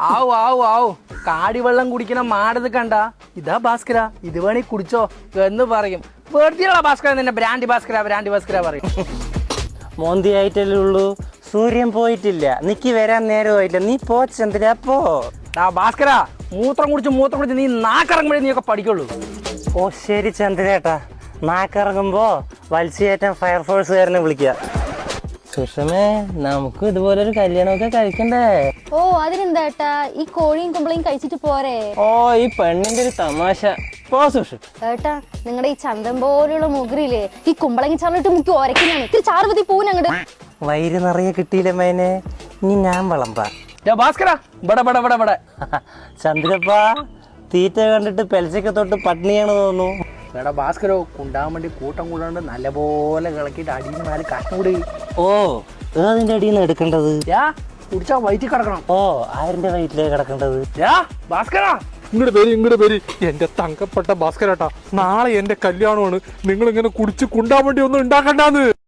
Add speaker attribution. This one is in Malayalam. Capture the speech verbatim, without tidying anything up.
Speaker 1: ആവു ആവു ആവു കാടിവെള്ളം കുടിക്കണ മാടത് കണ്ട ഇതാ ഭാസ്കര ഇത് വേണേ കുടിച്ചോ എന്ന് പറയും. വെറുതെയുള്ള ഭാസ്കര നിന്നെ ബ്രാൻഡി ഭാസ്കര ബ്രാൻഡി ഭാസ്കര പറയും.
Speaker 2: മോന്തിയായിട്ടല്ലേ ഉള്ളൂ, സൂര്യൻ പോയിട്ടില്ല, നിക്ക് വരാൻ നേരമായില്ല, നീ പോ ചന്ദ്ര പോ.
Speaker 1: ആ ഭാസ്കര മൂത്രം കുടിച്ച് മൂത്രം കുടിച്ച് നീ നാക്കിറങ്ങുമ്പോഴേ നീ ഒക്കെ പഠിക്കുള്ളൂ.
Speaker 2: ഓ ശരി ചന്ദ്രേട്ടാ, നാക്കിറങ്ങുമ്പോ വലിച്ചേറ്റാൻ ഫയർഫോഴ്സുകാരനെ വിളിക്കുക. സുഷമേ, നമുക്ക് ഇതുപോലൊരു കല്യാണമൊക്കെ കഴിക്കണ്ടേ?
Speaker 3: ഓ അതിനെന്താ ഏട്ടാ, ഈ കോഴിയും കുമ്പളയും കഴിച്ചിട്ട് പോരെ.
Speaker 2: ഓ ഈ പെണ്ണിന്റെ ഒരു തമാശ. പോ സുഷു.
Speaker 3: ഏട്ടാ നിങ്ങളുടെ ഈ ചന്തം പോലുള്ള മുകളിലെ ഈ കുമ്പളങ്ങി ചാറിട്ട് മുക്കി ഒരയ്ക്കുന്നതാണ്. ഇത്തിരി ചാറ് മതി പൂവിന് അങ്ങോട്ട്.
Speaker 2: വൈര് നിറയെ കിട്ടിയില്ല മേനെ, ഇനി ഞാൻ വിളമ്പാ.
Speaker 1: ഭാസ്കര ബട ബട ബട ബട.
Speaker 2: ചന്ദ്രപ്പാ, തീറ്റ കണ്ടിട്ട് പെൽച്ചൊക്കെ തൊട്ട് പട്ടിണിയാണ് തോന്നുന്നു.
Speaker 1: എടാ ഭാസ്കരോ, കുണ്ടാൻ വേണ്ടി കൂട്ടം കൂടാണ്ട് നല്ലപോലെ കിളക്കിയിട്ട് അടിയിൽ നിന്ന് നാല് കഷ്ണം കൂടി.
Speaker 2: ഓ ഏതിന്റെ അടിയിൽ നിന്ന് എടുക്കേണ്ടത്?
Speaker 1: യാ കുടിച്ചാ വയറ്റിൽ കിടക്കണം.
Speaker 2: ഓ ആരിന്റെ വയറ്റിലേ കിടക്കേണ്ടത്?
Speaker 1: യാ ഭാസ്കര
Speaker 4: ഇങ്ങോട്ട് പേര് ഇങ്ങോട്ട് പേര് എന്റെ തങ്കപ്പെട്ട ഭാസ്കരേട്ടാ, നാളെ എന്റെ കല്യാണമാണ്. നിങ്ങൾ ഇങ്ങനെ കുടിച്ച് കുണ്ടാൻ വേണ്ടി ഒന്നും ഉണ്ടാക്കണ്ടാന്ന്.